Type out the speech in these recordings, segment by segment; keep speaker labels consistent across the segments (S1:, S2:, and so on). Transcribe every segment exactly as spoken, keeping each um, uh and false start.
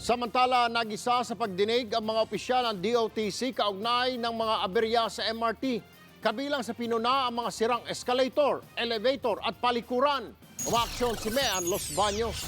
S1: Samantala, nag-isa sa pagdinig ang mga opisyal ng D O T C kaugnay ng mga aberya sa M R T. Kabilang sa pinuna ang mga sirang escalator, elevator at palikuran. Umaaksyon si Mean Los Baños.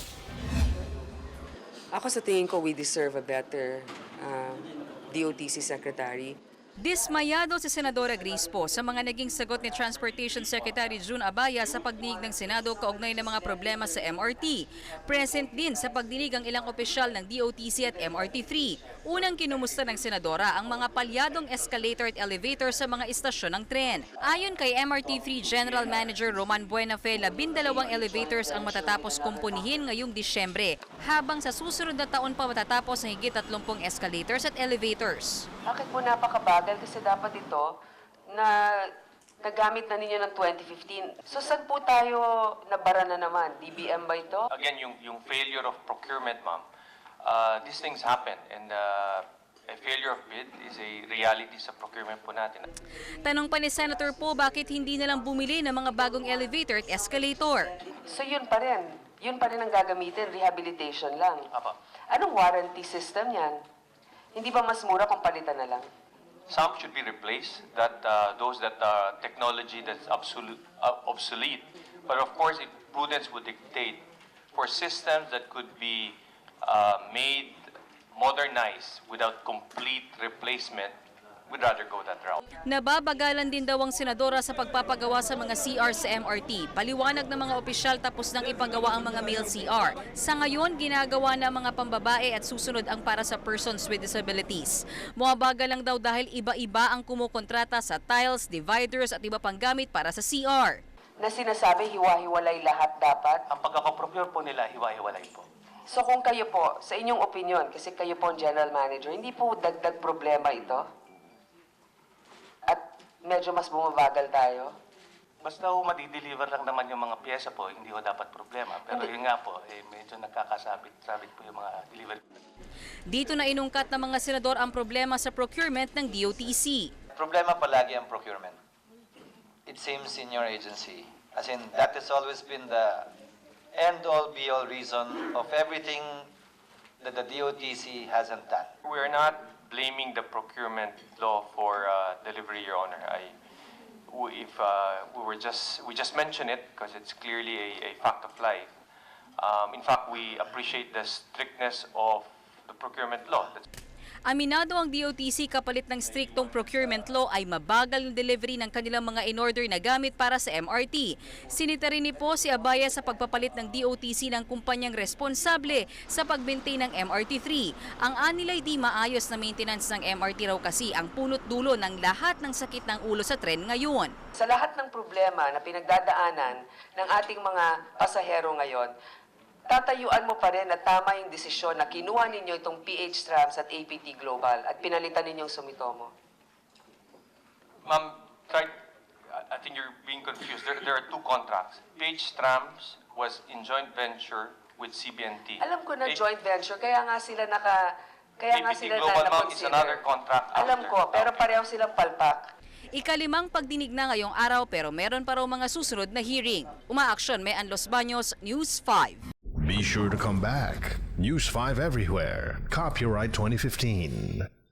S2: Ako sa tingin ko, we deserve a better uh, D O T C secretary.
S3: Dismayado si Senadora Grace Poe sa mga naging sagot ni Transportation Secretary June Abaya sa pagdinig ng Senado kaugnay ng mga problema sa M R T. Present din sa pagdinig ang ilang opisyal ng D O T C at M R T three. Unang kinumusta ng Senadora ang mga palyadong escalator at elevator sa mga istasyon ng tren. Ayon kay M R T three General Manager Roman Buenafe, labindalawang elevators ang matatapos kumpunihin ngayong Disyembre, habang sa susunod na taon pa matatapos ang higit tatlumpung escalators at elevators.
S2: Bakit po napakabagal? Kasi dapat ito na nagamit na ninyo ng twenty fifteen. So saan po tayo nabara na naman? D B M ba ito?
S4: Again, yung, yung failure of procurement, ma'am, uh, these things happen and uh, a failure of bid is a reality sa procurement po natin.
S3: Tanong pa ni Senator Poe bakit hindi na lang bumili ng mga bagong elevator at escalator.
S2: So yun pa rin. Yun pa rin ang gagamitin, rehabilitation lang.
S4: Apa.
S2: Anong warranty system yan? Hindi ba mas mura kung palitan na lang?
S4: Some should be replaced, that uh, those that are technology that's absolute, uh, obsolete. But of course, if prudence would dictate for systems that could be uh, made, modernized without complete replacement, we'd rather go that route.
S3: Nababagalan din daw ang senadora sa pagpapagawa sa mga C R sa M R T. Paliwanag ng mga opisyal tapos nang ipagawa ang mga male C R. Sa ngayon, ginagawa na mga pambabae at susunod ang para sa persons with disabilities. Muabagal lang daw dahil iba-iba ang kumukontrata sa tiles, dividers at iba pang gamit para sa C R.
S2: Na sinasabi, hiwa-hiwalay lahat dapat?
S4: Ang pagkakaprocure po nila, hiwa-hiwalay po.
S2: So kung kayo po, sa inyong opinion, kasi kayo po ang general manager, hindi po dagdag problema ito? At medyo mas bumabagal tayo?
S4: Basta ho madideliver lang naman yung mga pyesa po, hindi ho dapat problema. Pero yun nga po, eh, medyo nagkakasabit-sabit po yung mga delivery.
S3: Dito na inungkat ng mga senador ang problema sa procurement ng D O T C.
S5: Problema palagi ang procurement. It seems in your agency. As in, that has always been the end-all, be-all reason of everything that the D O T C hasn't done.
S4: We are not blaming the procurement law for uh, delivery, Your Honor. I, w- if uh, we were just we just mention it because it's clearly a, a fact of life. Um, in fact, we appreciate the strictness of the procurement law. That's
S3: Aminado ang D O T C kapalit ng striktong procurement law ay mabagal ng delivery ng kanilang mga in-order na gamit para sa M R T. Sinita rin ni po si Abaya sa pagpapalit ng D O T C ng kumpanyang responsable sa pag-maintain ng M R T three. Ang anilay di maayos na maintenance ng M R T raw kasi ang punot dulo ng lahat ng sakit ng ulo sa tren ngayon.
S2: Sa lahat ng problema na pinagdadaanan ng ating mga pasahero ngayon, tatayuan mo pa rin na tama yung desisyon na kinuha ninyo itong P H Trams at A P T Global at pinalitan ninyong Sumitomo.
S4: Ma'am, try, I think you're being confused. There, there are two contracts. P H Trams was in joint venture with C B N T.
S2: Alam ko na
S4: A-
S2: joint venture, kaya nga sila naka... Kaya nga
S4: A P T
S2: sila
S4: Global,
S2: na
S4: ma'am, is another contract
S2: Alam
S4: after.
S2: ko, pero
S4: Okay.
S2: pareho silang palpak.
S3: Ikalimang pagdinig na ngayong araw pero meron pa raw mga susunod na hearing. Umaaksyon, Mean Los Baños, News five.
S6: Be sure to come back. News five everywhere. Copyright twenty fifteen.